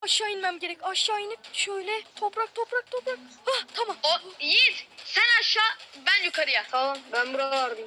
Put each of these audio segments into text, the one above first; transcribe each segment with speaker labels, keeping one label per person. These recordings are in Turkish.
Speaker 1: Aşağı inmem gerek. Aşağı inip şöyle toprak. Hah tamam.
Speaker 2: O Yiğit sen aşağı ben yukarıya.
Speaker 3: Tamam ben buralardayım.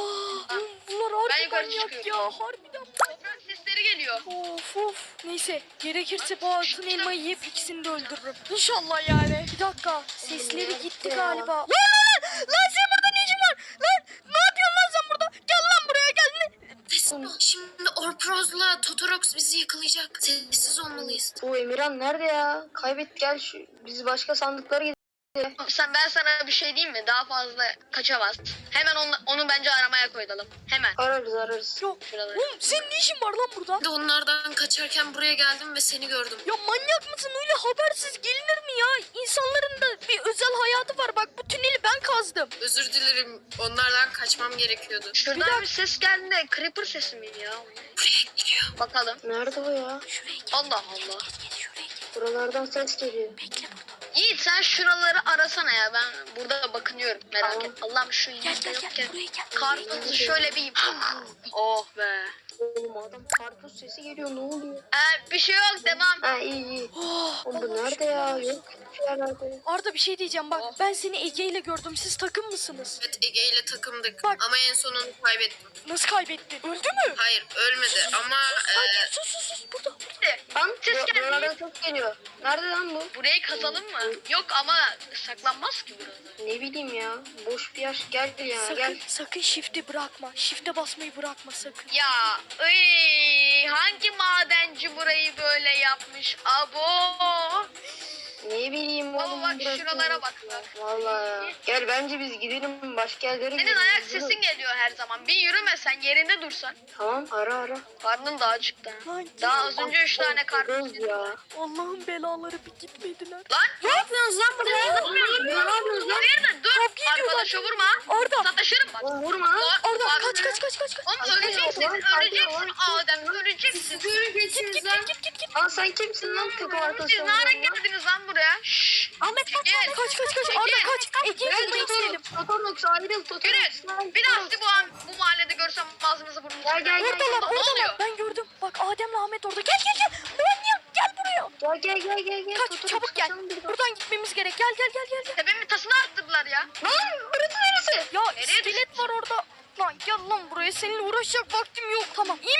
Speaker 1: Bunlar
Speaker 2: Ben
Speaker 1: harbi
Speaker 2: yukarı
Speaker 1: manyak
Speaker 2: çıkıyorum.
Speaker 1: ya. Harbiden.
Speaker 2: Toprak sesleri geliyor.
Speaker 1: Of. Neyse gerekirse bu altın elmayı yiyip ikisini de öldürürüm. İnşallah yani. Bir dakika. Sesleri gitti
Speaker 3: ya?
Speaker 1: galiba. Lan sen burada ne işin var? Lan ne yapıyorsun lan sen burada? Gel lan buraya gel.
Speaker 4: Şimdi Orproz'la Totorox bizi yakalayacak. Sessiz olmalıyız.
Speaker 3: O Emirhan nerede ya? Kaybet gel şu. Biz başka sandıklara gidelim.
Speaker 2: Ben sana bir şey diyeyim mi? Daha fazla kaçamaz. Hemen onu bence aramaya koyalım. Hemen.
Speaker 3: Ararız.
Speaker 1: Yok.
Speaker 2: Şuraları.
Speaker 1: Oğlum senin ne işin var lan burada?
Speaker 4: Ben de onlardan kaçarken buraya geldim ve seni gördüm.
Speaker 1: Ya manyak mısın? Öyle habersiz gelinir mi ya? İnsanların da bir özel hayatı var. Bak bu tüneli ben kazdım.
Speaker 4: Özür dilerim. Onlardan kaçmam gerekiyordu.
Speaker 2: Şuradan bir ses geldi de Creeper sesi miydi ya?
Speaker 4: Buraya geliyor.
Speaker 2: Bakalım.
Speaker 3: Nerede o ya?
Speaker 1: Şuraya gel.
Speaker 2: Allah Allah.
Speaker 1: Gel şuraya gel.
Speaker 3: Buralardan ses geliyor.
Speaker 1: Bekle burada.
Speaker 2: Yiğit sen şuraları arasana ya. Ben burada bakınıyorum. Merak
Speaker 3: Tamam.
Speaker 2: et. Allah'ım şu
Speaker 1: Gel
Speaker 2: Yiğit'te
Speaker 1: gel
Speaker 2: yokken.
Speaker 1: buraya gel.
Speaker 2: Karpuzu şöyle bir... Oh be.
Speaker 3: Oğlum adam karpuz sesi geliyor ne oluyor?
Speaker 2: Bir şey yok devam.
Speaker 3: Ha iyi.
Speaker 1: Oh,
Speaker 3: Oğlum bu nerede ya? Yok bir yerlerde.
Speaker 1: Arda bir şey diyeceğim bak. Ben seni Ege ile gördüm. Siz takım mısınız?
Speaker 4: Evet, Ege ile takımdık.
Speaker 1: Bak.
Speaker 4: Ama en son onu kaybettim.
Speaker 1: Nasıl kaybettin? Öldü mü?
Speaker 4: Hayır, ölmedi ama
Speaker 1: Hadi sus. Burada.
Speaker 3: Lan
Speaker 2: Ses geldi.
Speaker 3: buralardan ses geliyor. Nerede lan bu?
Speaker 2: Burayı kazalım mı? Yok ama saklanmaz ki burada.
Speaker 3: Ne bileyim ya. Boş bir yer. Gel ya gel.
Speaker 1: Sakın shift'i bırakma. Shift'e basmayı bırakma sakın.
Speaker 2: Ya hangi madenci burayı böyle yapmış? Abo.
Speaker 3: Ne bileyim
Speaker 2: Baba
Speaker 3: oğlum.
Speaker 2: bak
Speaker 3: burası
Speaker 2: şuralara
Speaker 3: ya.
Speaker 2: bak bak.
Speaker 3: Vallahi ya. Gel bence biz gidelim başka yerlere
Speaker 2: Senin
Speaker 3: gidelim.
Speaker 2: ayak
Speaker 3: Yürü.
Speaker 2: sesin geliyor her zaman. Bir yürümesen yerinde dursan.
Speaker 3: Tamam ara.
Speaker 2: Karnın daha acıktı. ha.
Speaker 1: Lan
Speaker 2: Daha az önce 3 tane karpuz
Speaker 3: Kız
Speaker 2: yedim.
Speaker 3: ya.
Speaker 1: Allah'ın belaları bir gitmediler.
Speaker 2: Lan
Speaker 3: Ne yapıyorsunuz lan burada? Ne yapıyorsunuz lan?
Speaker 2: hayırdır dur.
Speaker 1: Kavga ediyorlar.
Speaker 2: Arkadaşa vurma.
Speaker 1: Arda.
Speaker 2: Sataşırım bak.
Speaker 3: Oğlum vurma.
Speaker 1: Arda
Speaker 2: Bak-
Speaker 1: kaç.
Speaker 2: Oğlum öleceksin. Öleceksin Adem. Öleceksin.
Speaker 1: Git.
Speaker 3: Lan sen kimsin lan takım
Speaker 2: Siz
Speaker 3: arkadaşım?
Speaker 2: ne ara geldiniz lan buraya? Şşş.
Speaker 1: Ahmet kaç.
Speaker 2: Gel.
Speaker 1: Arda kaç. Ege'yi bulmayı gidelim.
Speaker 3: Totorox ayrıl Totorox.
Speaker 2: Yürü. Bir daha sizi bu mahallede görsem ağzınızı burnunuzu
Speaker 3: Gel, gel,
Speaker 2: kırarım.
Speaker 3: gel.
Speaker 2: Ne oluyor?
Speaker 1: Oradalar. Ben gördüm. Bak Adem'le Ahmet orada. Gel. Manyak gel buraya.
Speaker 3: Gel.
Speaker 1: Kaç
Speaker 3: Totorox,
Speaker 1: çabuk gel.
Speaker 3: kaçalım buradan.
Speaker 1: Buradan gitmemiz gerek. Gel.
Speaker 2: Tepemin tasını arttırdılar ya.
Speaker 3: Lan burası neresi?
Speaker 1: Ya
Speaker 2: Nereye
Speaker 1: iskelet var orada. Lan gel lan buraya. Seninle uğraşacak vaktim yok. Tamam. İyi